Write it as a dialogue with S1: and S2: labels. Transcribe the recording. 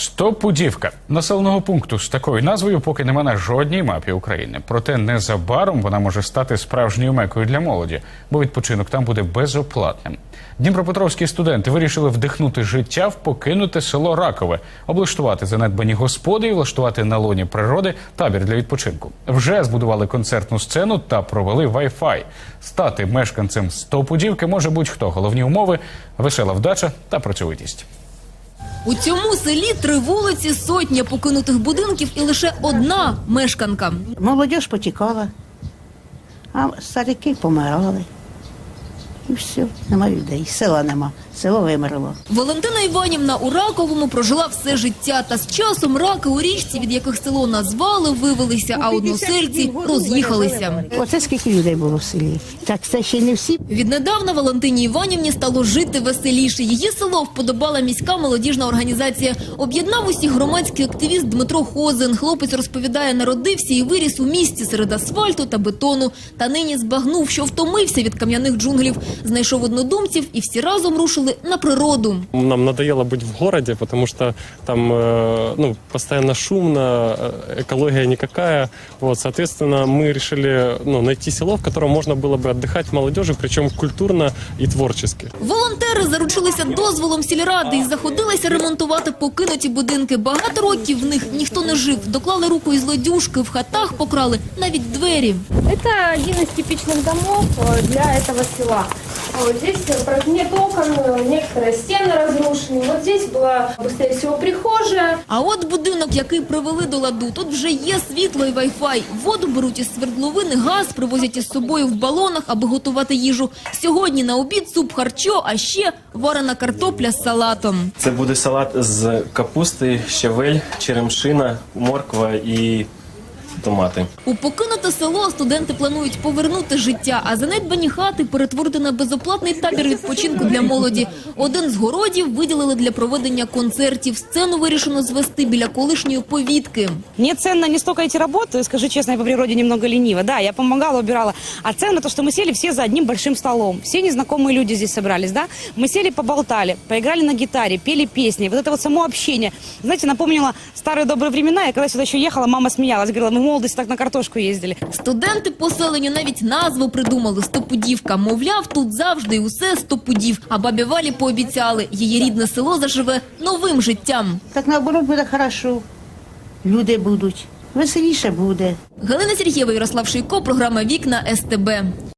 S1: Стопудівка. Населеного пункту з такою назвою поки нема на жодній мапі України. Проте незабаром вона може стати справжньою мекою для молоді, бо відпочинок там буде безоплатним. Дніпропетровські студенти вирішили вдихнути життя в покинуте село Ракове, облаштувати занедбані господи і влаштувати на лоні природи табір для відпочинку. Вже збудували концертну сцену та провели Wi-Fi. Стати мешканцем Стопудівки може будь-хто. Головні умови – весела вдача та працьовитість.
S2: У цьому селі 3 вулиці, сотня покинутих будинків і лише одна мешканка.
S3: Молодіж потікала, а старики помирали. І все, нема людей, села нема, село вимерло.
S2: Валентина Іванівна у Раковому прожила все життя. Та з часом раки у річці, від яких село назвали, вивелися, а односельці роз'їхалися.
S3: Оце скільки людей було в селі. Так це ще й не всі.
S2: Віднедавна Валентині Іванівні стало жити веселіше. Її село вподобала міська молодіжна організація. Об'єднав усіх громадський активіст Дмитро Хозин. Хлопець розповідає, народився і виріс у місті серед асфальту та бетону. Та нині збагнув, що втомився від кам'яних джунглів. Знайшов однодумців і всі разом рушили на природу.
S4: Нам надоело быть в городе, потому что там постоянно шумно, экология никакая. Вот, соответственно, мы решили найти село, в котором можно было бы отдыхать молодежи, причем культурно и творчески.
S2: Волонтери заручилися дозволом сільради і заходилися ремонтувати покинуті будинки. Багато років в них ніхто не жив. Доклали руку із лодюжки, в хатах покрали навіть двері.
S5: Это один из типичных домов для этого села. Вот здесь нет окон, некоторые стены разрушены. Вот здесь была, быстрее всего, прихожая.
S2: А от будинок, який привели до ладу, тут вже є світло і вай-фай. Воду беруть із свердловини, газ привозять із собою в балонах, аби готувати їжу. Сьогодні на обід суп харчо, а ще варена картопля з салатом.
S6: Це буде салат з капусти, щавель, черемшина, морква і томати.
S2: У покинуте село студенти планують повернути життя, а занедбані хати перетворити на безоплатний табір відпочинку для молоді. Один з городів виділили для проведення концертів. Сцену вирішено звести біля колишньої повітки.
S7: Мне ценно не столько эти работы, скажу честно, я по природе немного ленива. Да, я помогала, убирала. А ценно то, что мы сели все за одним большим столом. Все незнакомые люди здесь собрались, да? Мы сели, поболтали, поиграли на гитаре, пели песни. Вот это вот само общение, знаете, напомнило старые добрые времена. Я когда сюда еще ехала, мама смеялась, говорила, мы в молодости так на картошку ездили.
S2: Студенти поселенню навіть назву придумали – Стопудівка. Мовляв, тут завжди і усе стопудів. А бабі Валі пообіцяли – її рідне село заживе новим життям.
S3: Так наоборот буде хорошо. Люди будуть, веселіше буде.
S2: Галина Сергієва, Ярослав Шийко, програма «Вікна СТБ».